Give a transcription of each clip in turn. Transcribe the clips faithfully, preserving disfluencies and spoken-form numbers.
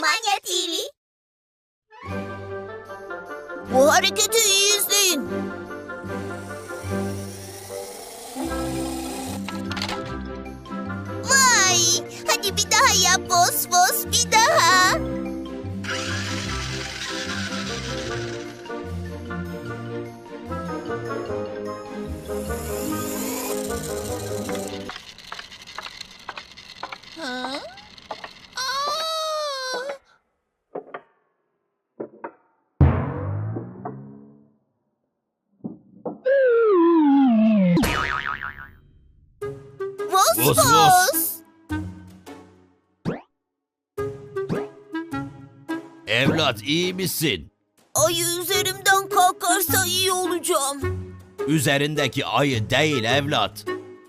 Animania T V. Bu hareketi iyi izleyin. Vay! Hadi bir daha yap Vos Vos, bir daha. Ha? Aa! Vos Vos, vos. Vos. Evlat iyi misin? Ayı üzerimden kalkarsa iyi olacağım. Üzerindeki ayı değil evlat.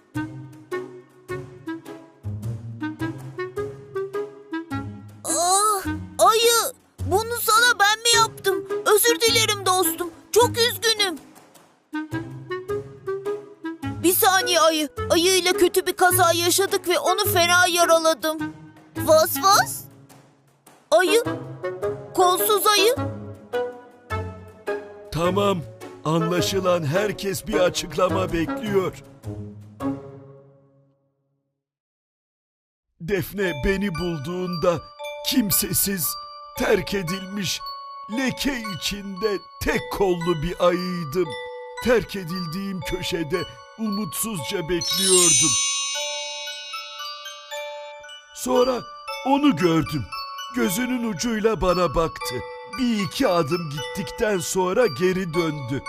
Ah, ayı, bunu sana ben mi yaptım? Özür dilerim dostum. Çok üzgünüm. Bir saniye ayı. Ayı ile kötü bir kaza yaşadık ve onu fena yaraladım. Vos vos. Ayı. Kolsuz ayı. Tamam, anlaşılan herkes bir açıklama bekliyor. Defne beni bulduğunda kimsesiz, terk edilmiş, leke içinde tek kollu bir ayıydım. Terk edildiğim köşede umutsuzca bekliyordum. Sonra onu gördüm. Gözünün ucuyla bana baktı. Bir iki adım gittikten sonra geri döndü.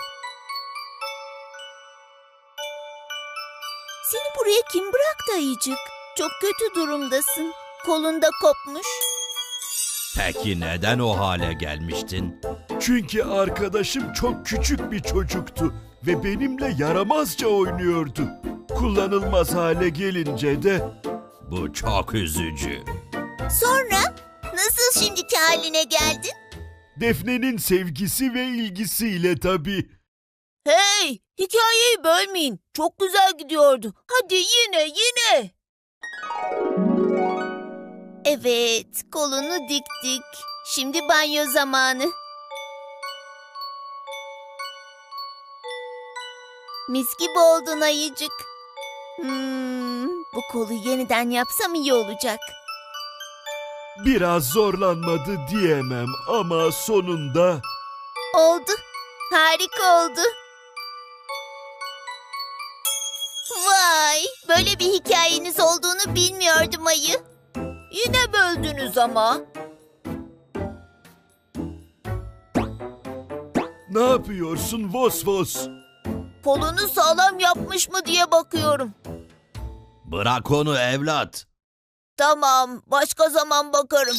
Seni buraya kim bıraktı ayıcık? Çok kötü durumdasın. Kolunda kopmuş. Peki neden o hale gelmiştin? Çünkü arkadaşım çok küçük bir çocuktu ve benimle yaramazca oynuyordu. Kullanılmaz hale gelince de Bu çok üzücü. Sonra nasıl şimdiki haline geldin? Defne'nin sevgisi ve ilgisiyle tabii. Hey, hikayeyi bölmeyin. Çok güzel gidiyordu. Hadi yine, yine. Evet, kolunu diktik. Şimdi banyo zamanı. Mis gibi oldun ayıcık. Hmm, bu kolu yeniden yapsam iyi olacak. Biraz zorlanmadı diyemem ama sonunda Oldu. Harika oldu. Vay, böyle bir hikayeniz olduğunu bilmiyordum ayı. Yine böldünüz ama. ne yapıyorsun Vos Vos? Kolunu sağlam yapmış mı diye bakıyorum. Bırak onu evlat. Tamam, başka zaman bakarım.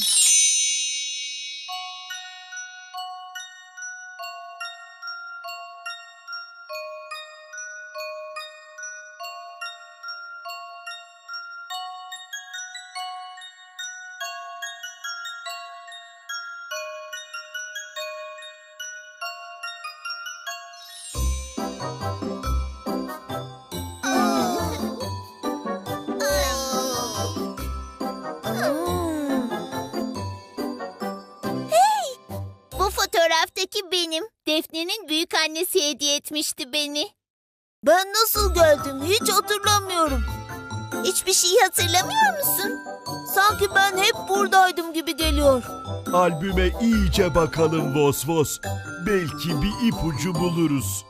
Hey! Bu fotoğraftaki benim. Defne'nin büyük annesi hediye etmişti beni. Ben nasıl geldim hiç hatırlamıyorum. Hiçbir şey hatırlamıyor musun? Sanki ben hep buradaydım gibi geliyor. Albüme iyice bakalım Vos Vos. Belki bir ipucu buluruz.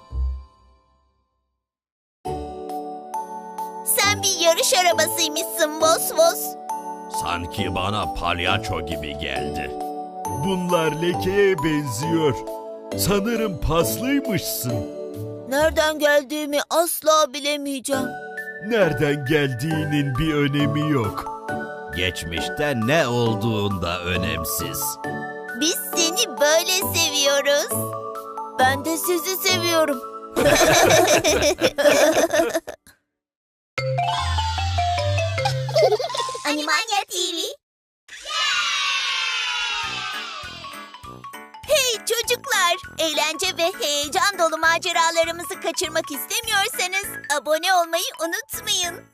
Sen bir yarış arabasıymışsın Vos Vos. Sanki bana palyaço gibi geldi. Bunlar lekeye benziyor. Sanırım paslıymışsın. Nereden geldiğimi asla bilemeyeceğim. Nereden geldiğinin bir önemi yok. Geçmişte ne olduğunda önemsiz. Biz seni böyle seviyoruz. Ben de sizi seviyorum. Animania T V. Hey çocuklar! Eğlence ve heyecan dolu maceralarımızı kaçırmak istemiyorsanız abone olmayı unutmayın.